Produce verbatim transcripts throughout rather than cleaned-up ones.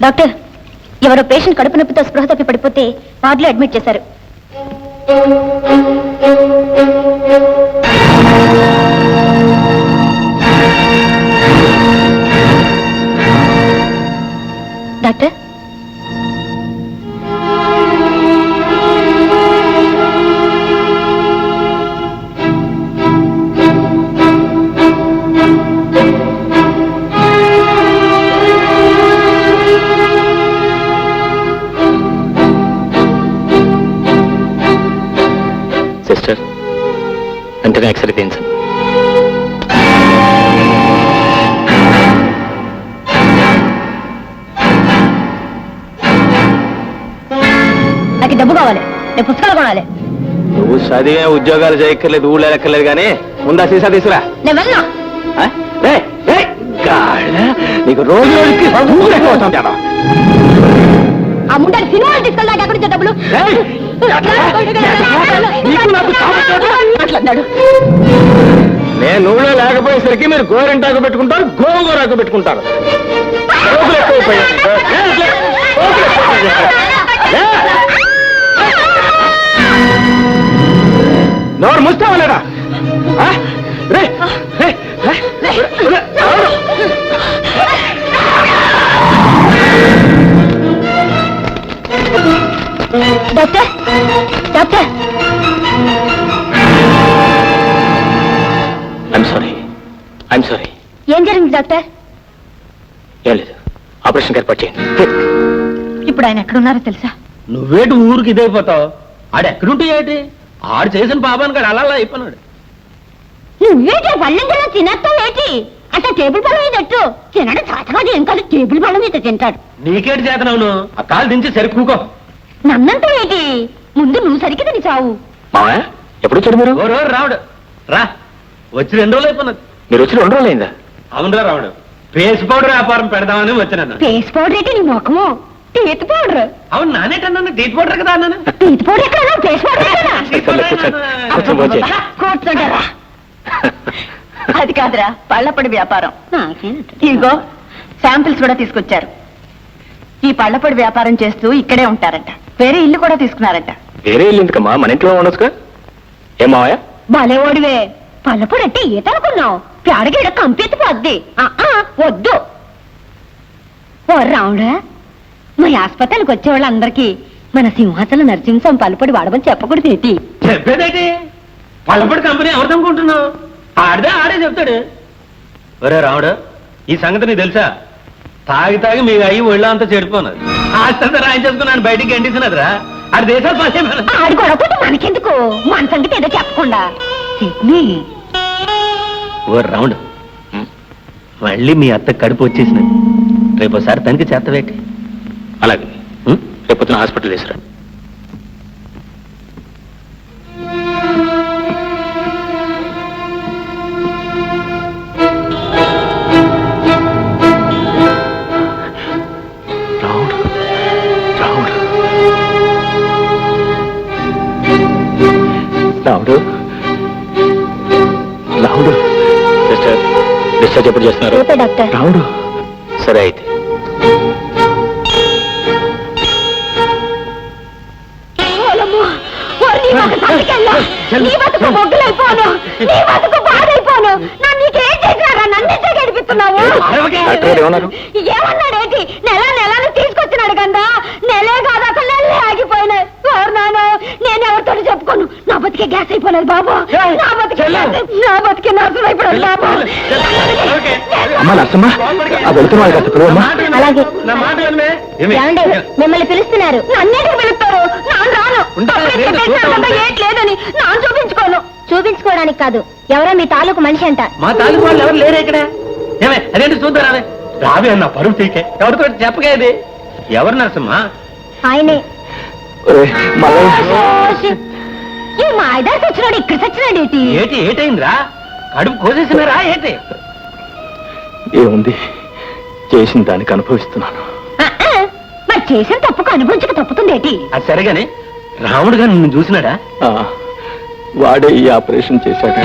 Doctor, ఎవరో patient కడుపు నొప్పితో స్పృహ తప్పి పడిపోతే వార్డులో అడ్మిట్ చేశారు. డాక్టర్, సిస్టర్ వెంటనే ఎక్స్రే తీయించండి. నాకు డబ్బు కావాలి, నేను పుస్తకాలు కొనాలి. నువ్వు చదివే ఉద్యోగాలు చేయక్కర్లేదు, ఊళ్ళో ఎక్కర్లేదు, కానీ ముందా సీసా తీసుకురా. నేను వెళ్ళను. నీకు రోజు రోజుకి ఆ ముండాన్ని సినిమాలు తీసుకెళ్ళాక ఎక్కడి నుంచి డబ్బులు? నేను ఊళ్ళో లేకపోయేసరికి మీరు గోరింటాకు పెట్టుకుంటారు, గోగోరాకు పెట్టుకుంటారు. నోరు ముస్తావా లేదా? Doctor, doctor, I'm sorry, I'm sorry. ఏం జరిగింది డాక్టర్? ఏం లేదు, ఆపరేషన్ ఏర్పాటు చేయండి. ఇప్పుడు ఆయన ఎక్కడున్నారో తెలుసా? నువ్వేటి ఊరికి ఇదైపోతావు? ఆడు ఎక్కడుంటే ఏంటి? ఆడు చేసిన పాపానికి ఆడు అలా అయిపోయినాడు. నువ్వేంటి పళ్ళెంలో తినేస్తావు ఏంటి? అంటే టేబుల్ పళ్ళ మీద ఎట్టు తినడం చాతకాదు, ఏం కాదు, టేబుల్ పళ్ళ మీద తింటాడు. నీకేటి చేతనవును? ఆ కాలు దించి సరికూకో. నన్నంతా ఏంటి? ముందు నువ్వు సరికి తిని చావు. మావా ఎప్పుడు వచ్చాడు మీరు? ఓ రోజు రావుడు రా, వచ్చి రెండు రోజులు అయిపోయినది. మీరు వచ్చి రెండు రోజులు అయిందా? అవునరా రావుడు, ఫేస్ పౌడర్ వ్యాపారం పెడదామని వచ్చినాను. ఫేస్ పౌడర్ ఏంటి నీ ముఖము? Teeth powder. అవును, నానేటన్నాను టీత్ పౌడర్ కదా అన్నాను. టీత్ పౌడర్ ఎక్కడ? ఫేస్ పౌడర్ కూర్చోంటారా? అది కాదురా, పళ్ళపొడి వ్యాపారం. ఇదిగో శాంపిల్స్ కూడా తీసుకొచ్చారు. ఈ పళ్ళపొడి వ్యాపారం చేస్తూ ఇక్కడే ఉంటారంట. వేరే ఇల్లు కూడా తీసుకున్నారంట. వేరే ఇల్లు ఎందుకమ్మా, మన ఇంట్లో ఉండొచ్చుగా. ఏం మావయ్య? భలే ఓడివే. పళ్ళపొడి అంటే ఈత అనుకున్నావు? పేడగీడ కంపెత్తి పోద్ది. వద్దు. ఓ రావుడా, మా ఆసుపత్రికి వచ్చే వాళ్ళందరికీ మన సింహాచల నరసింహం పళ్ళపొడి వాడమని చెప్పకూడదు ఏంటి? చెప్పేదేంటి? పళ్ళపొడి కంపెనీ ఎవరిదనుకుంటున్నావు? ఆడిదే ఆడే చెప్తాడు. ఒరే రావుడు, ఈ సంగతి నీకు తెలుసా? తాగి తాగి మీ అయ్యి ఒళ్ళ అంతా చెడిపోన్నది. ఆస్తంతా రాయించేసుకున్నాను, బయటికి గంటిస్తున్నదిరా. ఆడి దేశాలు పని ఆడి గొడవపోతే మనకెందుకు? మన సంగతి ఏదో చెప్పకుండా. ఓ రావుడు, మళ్ళీ మీ అత్త కడుపు వచ్చేసినది. రేపు ఒకసారి తనకి చేతవేటి. అలాగే రేపు పొద్దున హాస్పిటల్ తీసుకురా. రావుడు, రావుడు, సిస్టర్ డిశ్చార్జ్ ఎప్పుడు చేస్తున్నారు? డాక్టర్. రావుడు, సరే అయితే. ఏమన్నాడేంటి? నెల నెలను తీసుకొచ్చినాడు కదా, నెలే కాదు అసలు నెలలే ఆగిపోయినాయి. నేను ఎవరితో చెప్పుకోను. నా బతికే గ్యాస్ అయిపోలేదు బాబు, నా బతికే నా బతికే నర్సులు అయిపోయాడు బాబు. అలాగే మిమ్మల్ని పిలుస్తున్నారు. నన్నేటికి పిలుస్తారు? నాన్న రాను. ఏట్లేదని నాన్న చూపించుకోను. చూపించుకోవడానికి కాదు, ఎవరో మీ తాలూకు మనిషి అంట. మా తాలూకు వాళ్ళు ఎవరు లేరు ఇక్కడ. ఏమే అదేంటి చూద్దాం. రావే అన్న పరువు తీకే, ఎవరితో చెప్పగేది? ఎవరు నరసమ్మా? ఆయనే. ఈ మాయదారి సచ్చినాడు, ఇక్కడ సచ్చినాడు ఏంటి? ఏటి ఏటైందిరా? కడుపు కోసేసినారా ఏంటి? ఏముంది, చేసిన దానికి అనుభవిస్తున్నాను. మరి చేసిన తప్పుకు అనుభవించక తప్పుతుంది ఏంటి? అది సరిగానే రాముడు గారు నిన్ను చూసినాడా? వాడే ఈ ఆపరేషన్ చేశాడు.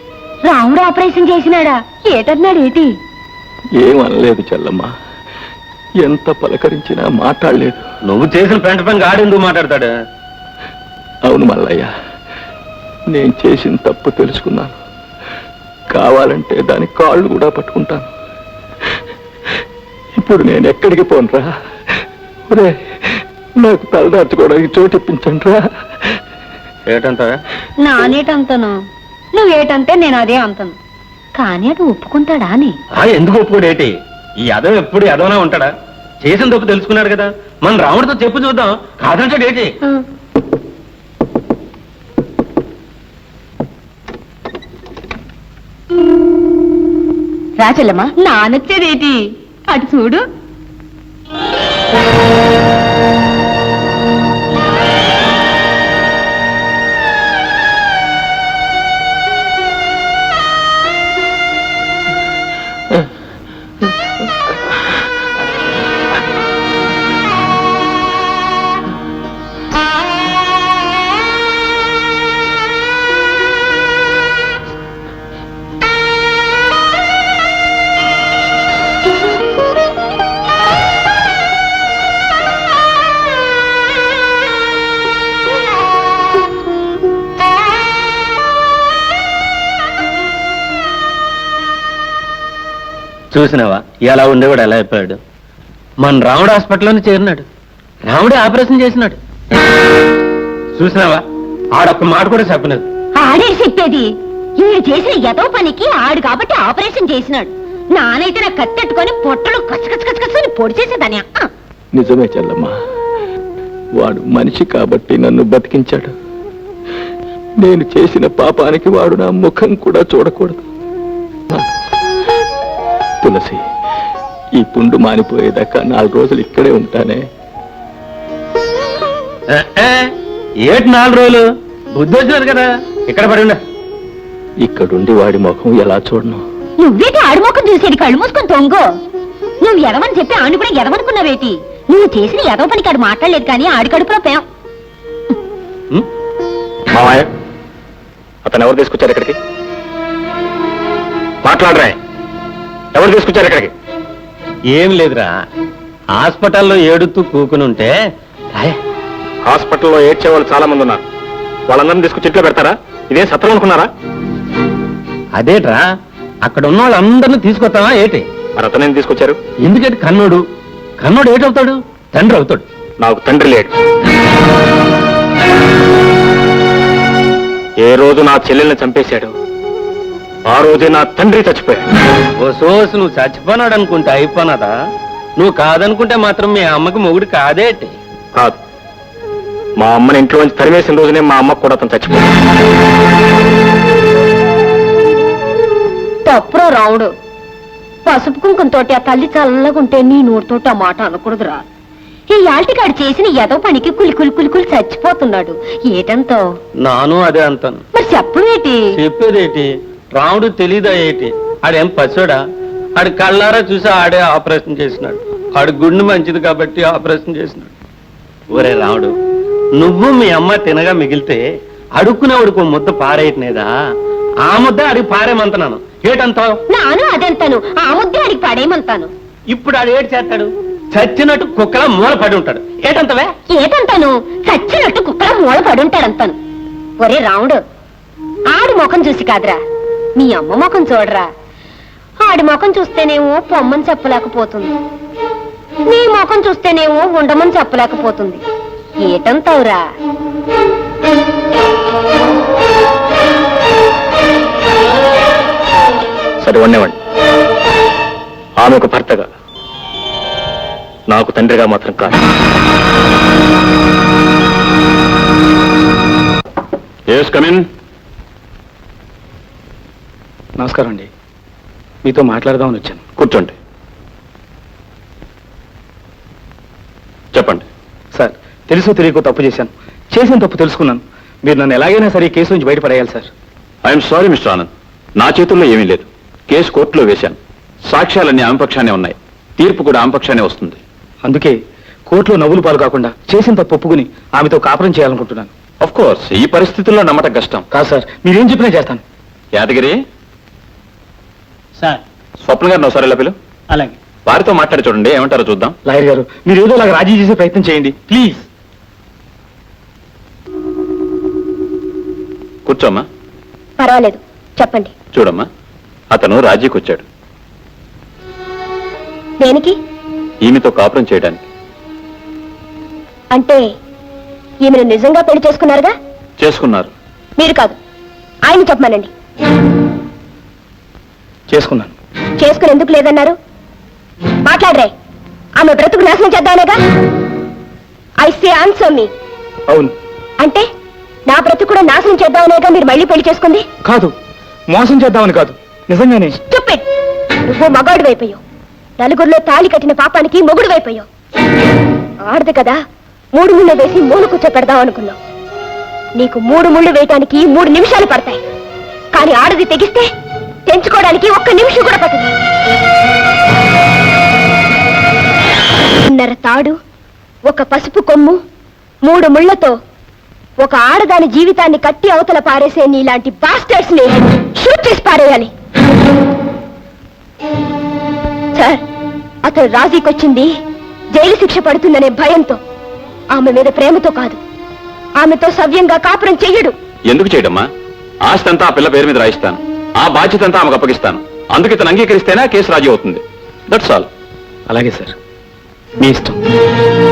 రాముడు ఆపరేషన్ చేసినాడా? ఏటన్నాడు ఏంటి? ఏమనలేదు చెల్లమ్మ, ఎంత పలకరించినా మాట్లాడలేదు. నువ్వు చేసిన పెంట పని గాడెందుకు మాట్లాడతాడు? అవును మల్లయ్య, నేను చేసిన తప్పు తెలుసుకున్నాను. కావాలంటే దాని కాళ్ళు కూడా పట్టుకుంటాను. ఇప్పుడు నేను ఎక్కడికి పోనురా? ఒరే, నాకు తలదార్చుకోవడానికి చోటు ఇప్పించండి రా. ఏటంతా? నానేటంతను, నువ్వేటంటే నేను అదే అంతను. కానీ అది ఒప్పుకుంటాడా అని. ఎందుకు ఒప్పుకోడు ఏంటి? ఈ యదవ ఎప్పుడు యదవనా ఉంటాడా? చేసిన తప్పు తెలుసుకున్నాడు కదా, మన రాముడితో చెప్పు చూద్దాం. కాదంటాడు ఏంటి? రాచల్లమ్మా, నానొచ్చేదేటి అటు చూడు. చూసినావా ఎలా ఉండేవాడు, ఎలా అయిపోయాడు? మన రాముడు హాస్పిటల్లోనే చేరినాడు, రాముడే ఆపరేషన్ చేసినాడు. చూసినావా, ఆడొక్క మాట కూడా చెప్పలేదు. ఆడే చెప్పేది, ఈడు చేసిన ఎదో పనికి ఆడు కాబట్టి ఆపరేషన్ చేసినాడు. నానైతే నా కత్తెట్టుకొని పొట్టలు కచ్చకచ్చకచ్చని పొడి చేసేదాని. నిజమే చెల్లమ్మా, వాడు మనిషి కాబట్టి నన్ను బతికించాడు. నేను చేసిన పాపానికి వాడు నా ముఖం కూడా చూడకూడదు. తులసి, ఈ పుండు మానిపోయేదాకా నాలుగు రోజులు ఇక్కడే ఉంటానే. ఏటి నాలుగు రోజులు? బుద్ధి వచ్చినారు కదా, ఇక్కడ పడి ఉండ. ఇక్కడుండి వాడి ముఖం ఎలా చూడను? నువ్వేటి ఆడి ముఖం చూసేది? కళ్ళు మూసుకొని తొంగో. నువ్వు ఎదవని చెప్పి ఆడు కూడా ఎదవనుకున్నావేటి? నువ్వు చేసిన ఎదవ పనికి ఆడు మాట్లాడలేదు కానీ ఆడి కడుపులో పేం. మామయ్య, అతను ఎవరు తీసుకొచ్చారు ఇక్కడికి? మాట్లాడరా, ఎవరు తీసుకొచ్చారు ఇక్కడికి? ఏం లేదురా, హాస్పిటల్లో ఏడుతూ కూకుని ఉంటే. హాస్పిటల్లో ఏడ్చే వాళ్ళు చాలా మంది ఉన్నారు, వాళ్ళందరినీ తీసుకొచ్చి ఇంట్లో పెడతారా? ఇదేం సత్రం అనుకున్నారా? అదేట్రా, అక్కడ ఉన్న వాళ్ళందరినీ తీసుకొస్తావా ఏటి? మరి అతనేం తీసుకొచ్చారు? ఎందుకంటే కన్నోడు కన్నోడు ఏటవుతాడు? తండ్రి అవుతాడు. నాకు తండ్రి లేడు. ఏ రోజు నా చెల్లెల్ని చంపేశాడు, ఆ రోజే నా తండ్రి చచ్చిపోయాడు. ఓ సోసు, నువ్వు చచ్చిపోనాడు అనుకుంటే అయిపోనాదా? నువ్వు కాదనుకుంటే మాత్రం మీ అమ్మకి మొగుడు కాదేటి? కాదు, మా అమ్మని ఇంట్లో నుంచి తరివేసిన రోజునే మా అమ్మకు కూడా అతను చచ్చిపోయాడు. తప్పురో రావుడు, పసుపు కుంకుమతోటి ఆ తల్లి చల్లగుంటే నీ నోటితోటి ఆ మాట అనకూడదురా. ఈ యాల్టికాడు చేసిన ఎదో పనికి కులి కులి కులి కులి చచ్చిపోతున్నాడు. ఏటంతో? నాను అదే అంతాను. మరి చెప్పవేటి? చెప్పేదేటి? రాముడు తెలీదా ఏటి? ఆడేం పచ్చోడా? ఆడి కళ్ళారా చూసి ఆడే ఆపరేషన్ చేసినాడు. ఆడి గుండె మంచిది కాబట్టి ఆపరేషన్ చేసినాడు. ఒరే రాముడు, నువ్వు మీ అమ్మ తినగా మిగిలితే అడుక్కునేవాడికి ముద్ద పారేయట్లేదా? ఆ ముద్ద అడిగి పారేమంటున్నాను. ఏటంతావు? నాను అదంతాను, ఆ ముద్దే అడిగి పాడేయమంతాను. ఇప్పుడు ఆడు ఏడు చేస్తాడు? చచ్చినట్టు కుక్కలా మూల పడి ఉంటాడు. ఏటంతవే? ఏటంతాను? చచ్చినట్టు కుక్కలా మూల పడి ఉంటాడంతాను. ఒరే రాముడు, ఆడి ముఖం చూసి కాదురా, మీ అమ్మ ముఖం చూడరా. ఆడి ముఖం చూస్తేనేమో పొమ్మని చెప్పలేకపోతుంది, నీ ముఖం చూస్తేనేమో ఉండమని చెప్పలేకపోతుంది. ఏటంతావురా? సరే వండేవాడి, ఆమె ఒక భర్తగా, నాకు తండ్రిగా మాత్రం కాదు. Yes come in. నమస్కారం అండి, మీతో మాట్లాడదామని వచ్చాను. కూర్చోండి. చెప్పండి. సార్, తెలుసో తెలియకో తప్పు చేశాను. చేసిన తప్పు తెలుసుకున్నాను. మీరు నన్ను ఎలాగైనా సరే ఈ కేసు నుంచి బయటపడేయాలి sir. I'm sorry mister Anand, నా చేతుల్లో ఏమీ లేదు. కేసు కోర్టులో వేశాను. సాక్ష్యాలన్నీ ఆమె పక్షానే ఉన్నాయి. తీర్పు కూడా ఆమె పక్షానే వస్తుంది. అందుకే కోర్టులో నవ్వులు పాలు కాకుండా చేసిన తప్పు ఒప్పుకుని ఆమెతో కాపురం చేయాలనుకుంటున్నాను. ఆఫ్ కోర్స్, ఈ పరిస్థితుల్లో నమ్మటం కష్టం. కాదు సార్, మీరేం చెప్పినా చేస్తాను. యాదగిరి సార్, స్వప్న గారిని ఒకసారి ఎలా పిలు. అలాగే. వారితో మాట్లాడి చూడండి, ఏమంటారో చూద్దాం. లాయర్ గారు, మీరు ఏదో అలాగ రాజీ చేసే ప్రయత్నం చేయండి ప్లీజ్. కూర్చోమ్మా. పర్వాలేదు, చెప్పండి. చూడమ్మా, అతను రాజీకి వచ్చాడు. దేనికి? ఈమెతో కాపురం చేయడానికి. అంటే ఈమెను నిజంగా పెళ్లి చేసుకున్నారుగా? చేసుకున్నారు. మీరు కాదు, ఆయన చెప్పమానండి. చేసుకున్నాను. చేసుకుని ఎందుకు లేదన్నారు? మాట్లాడరే. ఆమె బ్రతుకు నాశనం చేద్దామనేగా? ఐ సే ఆన్సర్ మీ. అవును. అంటే నా బ్రతుకు కూడా నాశనం చేద్దామనేగా మీరు మళ్ళీ పెళ్లి చేసుకుంది? కాదు, మోసం చేద్దామని కాదు, నిజంగానే. Stupid! నువ్వు మగాడు వైపోయావు. నలుగురిలో తాళి కట్టిన పాపానికి మొగుడు వైపోయావు. ఆడదు కదా, మూడు ముళ్ళు వేసి మూడు కూర్చో పెడదాం అనుకున్నావు. నీకు మూడు ముళ్ళు వేయటానికి మూడు నిమిషాలు పడతాయి, కానీ ఆడది తెగిస్తే తెంచుకోవడానికి ఒక్క నిమిషం కూడా పట్టదు. ఉన్నర తాడు, ఒక పసుపు కొమ్ము, మూడు ముళ్లతో ఒక ఆడదాని జీవితాన్ని కట్టి అవతల పారేసే నీలాంటి బాస్టర్స్ ని షూట్ చేసి పారేయాలి. సార్, అతను రాజీకొచ్చింది జైలు శిక్ష పడుతుందనే భయంతో, ఆమె మీద ప్రేమతో కాదు. ఆమెతో సవ్యంగా కాపురం చెయ్యడు. ఎందుకు చేయడమ్మా? ఆస్తి అంతా ఆ పిల్ల పేరు మీద రాయిస్తాను, ఆ బాధ్యత అంతా ఆమెకు అప్పగిస్తాను. అందుకే తను అంగీకరిస్తేనే కేసు రాజీ అవుతుంది. That's all. అలాగే సార్, మీ ఇష్టం.